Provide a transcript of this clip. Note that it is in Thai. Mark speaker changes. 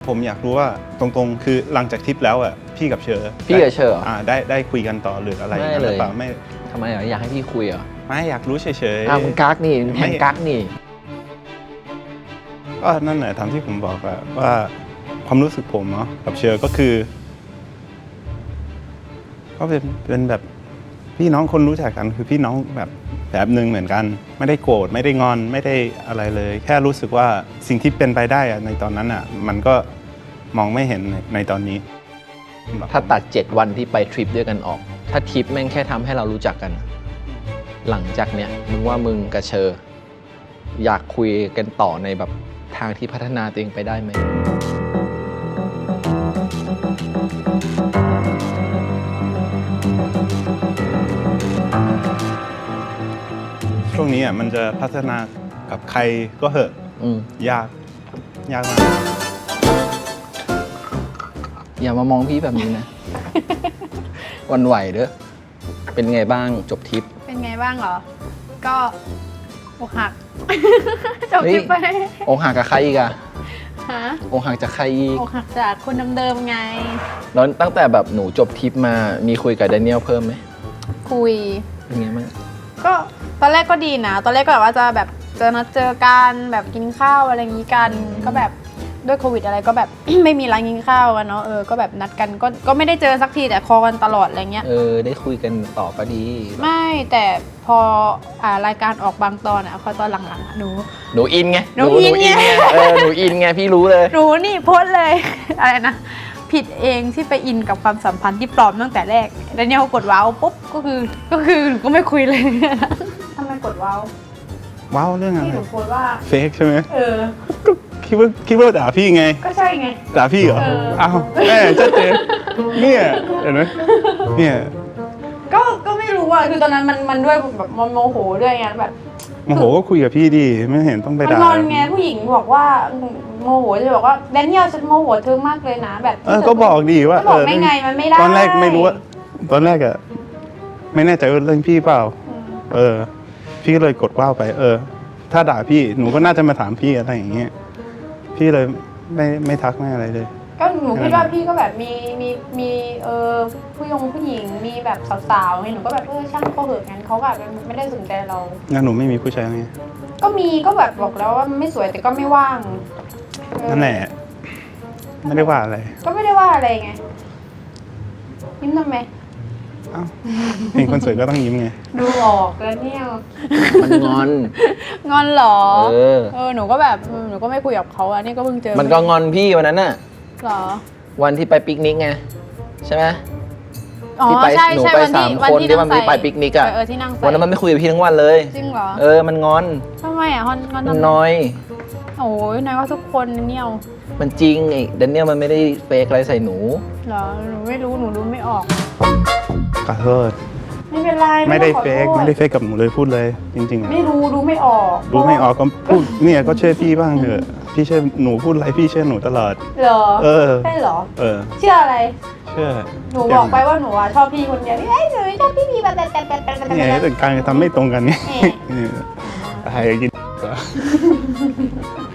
Speaker 1: ผมอยากรู้ว่าตรงๆคือหลังจากทริปแล้วอ่ะพี่กับเชอร์ได้คุยกันต่อหรืออะไร
Speaker 2: ไม่เลย
Speaker 1: ไม่
Speaker 2: ทำไมอยากให้พี่คุยเหรอ
Speaker 1: ไม่อยากรู้เฉย
Speaker 2: มึงกักนี่แทงกักนี่
Speaker 1: ก็นั่นแหละทำที่ผมบอกอะว่าความรู้สึกผมเนาะกับเชอร์ก็คือก็เป็นแบบพี่น้องคนรู้จักกันคือพี่น้องแบบหนึ่งเหมือนกันไม่ได้โกรธไม่ได้งอนไม่ได้อะไรเลยแค่รู้สึกว่าสิ่งที่เป็นไปได้ในตอนนั้นอะมันก็มองไม่เห็นในตอนนี้
Speaker 2: ถ้าตัด7 วันที่ไปทริปด้วยกันออก ถ้าทริปแม่งแค่ทำให้เรารู้จักกัน หลังจากเนี้ยมึงว่ามึงกับเชอร์อยากคุยกันต่อในแบบทางที่พัฒนาตัวเองไปได้ไหม
Speaker 1: ช่วงนี้อ่ะมันจะพัฒนากับใครก็เหอะยากมาก
Speaker 2: อย่ามามองพี่แบบนี้นะ วันไหวเด้อเป็นไงบ้างจบทริป
Speaker 3: เป็นไงบ้างเหรอก็อกหักจบทริปไป
Speaker 2: อกหักกับใครอีกอะ
Speaker 3: ฮะ
Speaker 2: อกหักจากใครอีก
Speaker 3: อกหักจากคนเดิมๆไง
Speaker 2: แล้วตั้งแต่แบบหนูจบทริปมามีคุยกับแดเนียลเพิ่มไหม
Speaker 3: คุย
Speaker 2: เป็นไงบ้าง
Speaker 3: ก็ตอนแรกก็ดีนะตอนแรกก็แบบว่าจะแบบนัดเจอกันแบบกินข้าวอะไรอย่างนี้กันก็แบบด้วยโควิดอะไรก็แบบ ไม่มีร้านกินข้าวกันเนาะก็แบบนัดกันก็ไม่ได้เจอสักทีแต่คอกันตลอดอะไรเงี้ย
Speaker 2: ได้คุยกันต่อก็ดี
Speaker 3: ไม่แต่พอรายการออกบางตอนพอตอนหลังๆ
Speaker 2: หนูอินไง
Speaker 3: หนูอินไง
Speaker 2: หนูอินไงพี่รู้เลย
Speaker 3: หนูนี่โพสเลย อะไรนะผิดเองที่ไปอินกับความสัมพันธ์ที่ปลอมตั้งแต่แรกแล้วเนี่ยเขากดว้าวปุ๊บก็คือหนูก็ไม่คุยเลยทำไมกดว้าว
Speaker 1: เรื่องอะไร
Speaker 3: ที่หนูโพสว่า
Speaker 1: เฟกใช่ไหมก็คิดว่าด่าพี่ไง
Speaker 3: ก็ใช่ไง
Speaker 1: ด่าพี่เหรออ้าวแม่ชัดเจนเนี่ยเห็นไหมเนี่ย
Speaker 3: ก็ไม่รู้คือตอนนั้นมันด้วยแบบโมโหด้วยไงแบบ
Speaker 1: โมโหก็คุยกับพี่ดิไม่เห็นต้องไปด่า
Speaker 3: มันงอนไงผู้หญิงบอกว่าโมโหจะบอกว่าแดเนียลฉันโมโหเธอมากเลยนะแบบ
Speaker 1: ก็บอกดีว่า
Speaker 3: บอกไม่ไงมันไม่ได้
Speaker 1: ตอนแรกไม่รู้ว่าตอนแรกอะไม่แน่ใจว่าเรื่องพี่เปล่าพี่ก็เลยกดว้าวไปถ้าด่าพี่หนูก็น่าจะมาถามพี่อะไรอย่างเงี้ยพี่เลยไม่ทักไม่อะไรเลย
Speaker 3: ก็หนูคิดว่าพี่ก็แบบมีผู้หญิงมีแบบสาวๆไงหนูก็แบบช่างเขาเหอะงั้นเขาแบบไม่ได้สนใจเรา
Speaker 1: งั้นหนูไม่มีผู้ชายไง
Speaker 3: ก็มีก็แบบบอกแล้วว่าไม่สวยแต่ก็ไม่ว่าง
Speaker 1: นั่นแหละไม่ได้ว่าอะไร
Speaker 3: ก็ไม่ได้ว่าอะไรไงยิ้มทำไม
Speaker 1: เห็นคนสวยก็ต้องยิ้มไง
Speaker 3: ดูออกแล้วเนี่ย
Speaker 2: มันง
Speaker 3: อนหรอหนูก็แบบหนูก็ไม่คุยกับเขานี่ก็เพิ่งเจอ
Speaker 2: มันก็งอนพี่วันนั้นน่ะ
Speaker 3: หรอ
Speaker 2: วันที่ไปปิกนิกไงใช่ไหม
Speaker 3: ที่ไป
Speaker 2: หนูไป3 คนที่มันไปปิกนิกอ่ะวันนั้นมันไม่คุยกับพี่ทั้งวันเลย
Speaker 3: จริงเหรอ
Speaker 2: มันงอน
Speaker 3: ทำไมงอน
Speaker 2: มันน้อย
Speaker 3: โอ้ยน้อยว่าทุกคนเนี่ย
Speaker 2: มันจริงไอ้แดเนียลมันไม่ได้เฟกอะไรใส่หนู
Speaker 3: เหรอหนูไม่รู้หนูรู้ไม่ออก
Speaker 1: ขอโทษ
Speaker 3: ไม่เป็นไร
Speaker 1: ไม่ได้เฟกกับหนูเลยพูดเลยจริงๆ
Speaker 3: ไม่รู้ไม่ออก
Speaker 1: ก็พูดเนี่ยก็เชื่อพี่บ้างเถอะพี่เชื่อหนูพูดอะไรพี่เชื่อหนูตลอด
Speaker 3: เหรอใช่เหรอเชื่ออะไร
Speaker 1: เชื่อ
Speaker 3: หนูบอกไปว่าหนูชอบพี่คนเดียวหนูชอบพี่แบบ
Speaker 1: เนี่ยแต่การทำไม่ตรงกันไงอะไรกิน